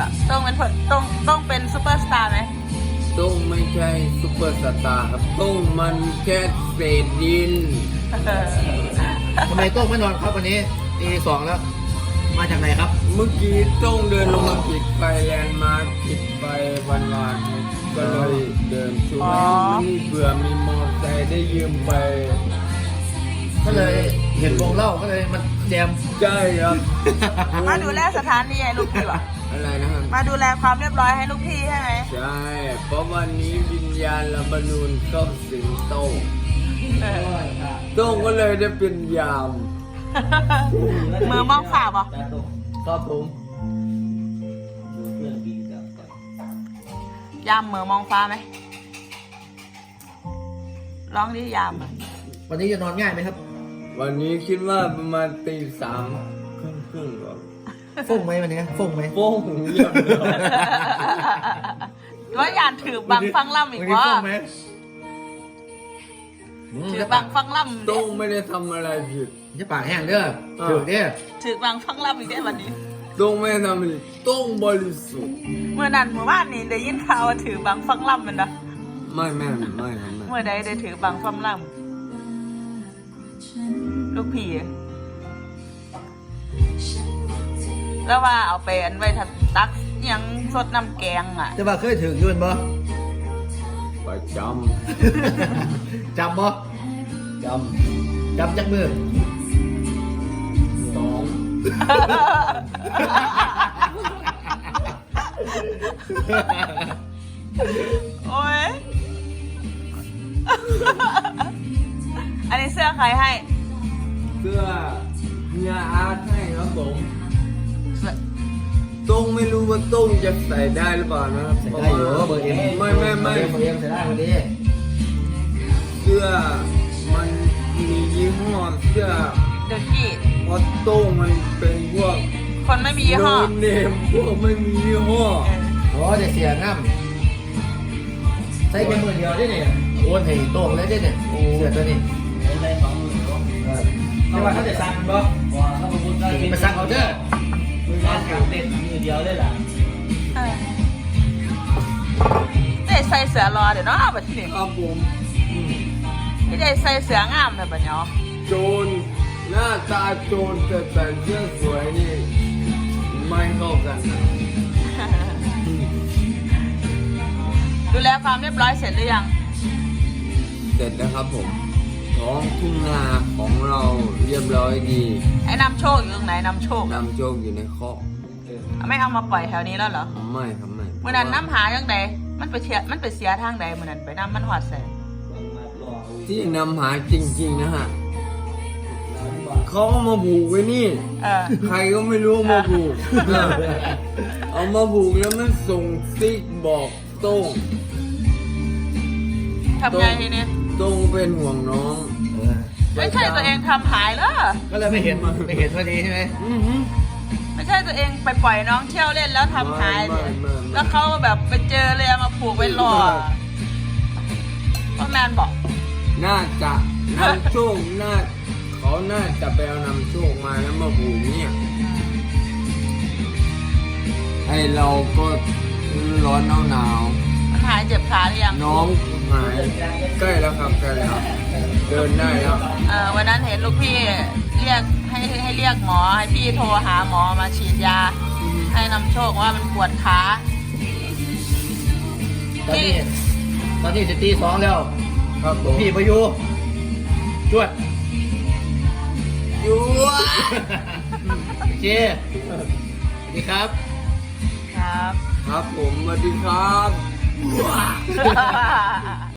อ่ะต้องเป็นต้องเป็นซูเปอร์สตาร์ไหมต้องไม่ใช่ซุปเปอร์สตาร์ครับต้องมันแค่เศษดินทำไมโต้งไม่นอนครับวันนี้ตีสองแล้ว มาจากไหนครับเมื่อกี้ต้องเดินลงมาผิดไปแลนด์มาร์คผิดไปวันก็เลยเดินช่วยนี่เบื่อมีมอเตอร์ไซค์ได้ยืมไปก็เลยเห็นวงเล่าก็เลยมันแจมใช่ครับมาดูแลสถานีให้ลูกพี่วะอะไรนะครับมาดูแลความเรียบร้อยให้ลูกพี่ใช่ไหมใช่เพราะวันนี้วิญญาณลบานูนเข้าสิงโตเออโต้งก็เลยได้เป็นยามมือมองฝ่าป่ะครับผมยามมือมองฟ้าไหมร้องดิยามอะวันนี้จะนอนง่ายไหมครับวันนี้คิดว่าประมาณตี 3 ครึ่งครับฟุ้งไหมวันนี้ฟุ้งไหมโป้งเยี่ยมเลยว่ายานถือบังฟังล่ำอีกวันนี้วะฟุ้งไหมถือบังฟังล่ำโต้งไม่ได้ทำอะไรผิดจะปากแห้งเด้อถือเด้อถือบังฟังล่ำอีกได้วันนี้โต้งไม่ได้ทำอะไรผิดโต้งบริสุทธิ์เมื่อนั้นเมื่อวานนี้ได้ยินข่าวว่าถือบังฟังล่ำมันนะไม่ครับไม่เมื่อใดได้ถือบังฟังล่ำลูกพี่อะแล้วว่าเอาไปอันไว้ทัดตักอิหยังสดน้ำแกงอ่ะจะว่าเคยถือยืนบ่ประจจำบ่ำจจำจากมือำ2 โอ้ย อันนี้เสื้อใครให้เสื้อเฮียอาร์ตให้ครับผมโต้งไม่รู้ว่าโต้งจะใส่ได้หรือเปล่านะครับใส่ได้อยู่เบอร์เอ็มไม่เบอร์เอ็มใส่ได้วันนี้เสื้อมันมียี่ห้อเสื้อเดอะกี้เพราะโต้งมันเป็นพวกคนไม่มียี่ห้อโนเนมพวกไม่มียี่ห้ออ๋อจะเสียง่ำใส่แค่มือเดียวได้เนี่ยโอนให้โต้งเลยได้เนี่ยเสื้อตัวนี้ได้2 มือเนาะเอาว่าเขาจะสั่งบ่ว่าถ้าผมพูดได้ไปสั่งเอาเด้อมือแรกกับเต้นมือเดียวได้ล่ะเออได้ใส่เสื้อรอเดี๋ยวเนาะแบบนี้ครับผมไม่ได้ใส่เสื้องามแบบนี้เนาะโจรหน้าตาโจรแต่ใส่เสื้อสวยนี่ไม่เข้ากันนะดูแลความเรียบร้อยเสร็จหรือยังเสร็จแล้วครับผมท้องทุ่งนาของเราเรียบร้อยดีไอ้นำโชคอยู่ตรงไหนนำโชคนำโชคอยู่ในคอกไม่เอามาปล่อยแถวนี้แล้วเหรอไม่ครับไม่เมื่อนั้นน้ำหายังใดมันไปเสียทางใดเมื่อนั้นไปน้ำมันหอดแสงที่นำหาจริงๆนะฮะเขาเอามาผูกไว้นี่เออใครก็ไม่รู้เอามาผูก เอามาผูกแล้วมันส่งซิกบอกโต้งทำไงทีนี้โต้งเป็นห่วงน้องไม่ใช่ตัวเองทำหายเหรอก็เลยไม่เห็นพอดีใช่ไหมไม่ใช่ตัวเองไปปล่อยน้องเที่ยวเล่นแล้วทำหายเนี่ยแล้วเขาแบบไปเจอเลยเอามาผูกไว้รอพ่อแมนบอกน่าจะนำโชคเขาน่าจะไปเอานำโชคมาแล้วมาผูกเนี่ยไอเราก็ร้อนหนาวมันหายเจ็บขาหรือยังน้องหายใกล้แล้วครับใกล้แล้วเดินได้แล้ววันนั้นเห็นลูกพี่เรียกให้เรียกหมอให้พี่โทรหาหมอมาฉีดยา ให้นำโชคว่ามันปวดขาตอนนี้จะตีสองแล้วครับผมพี่ประยูจวดอยู่เจสวัสดีครับครับครับผมสวัสดีครับ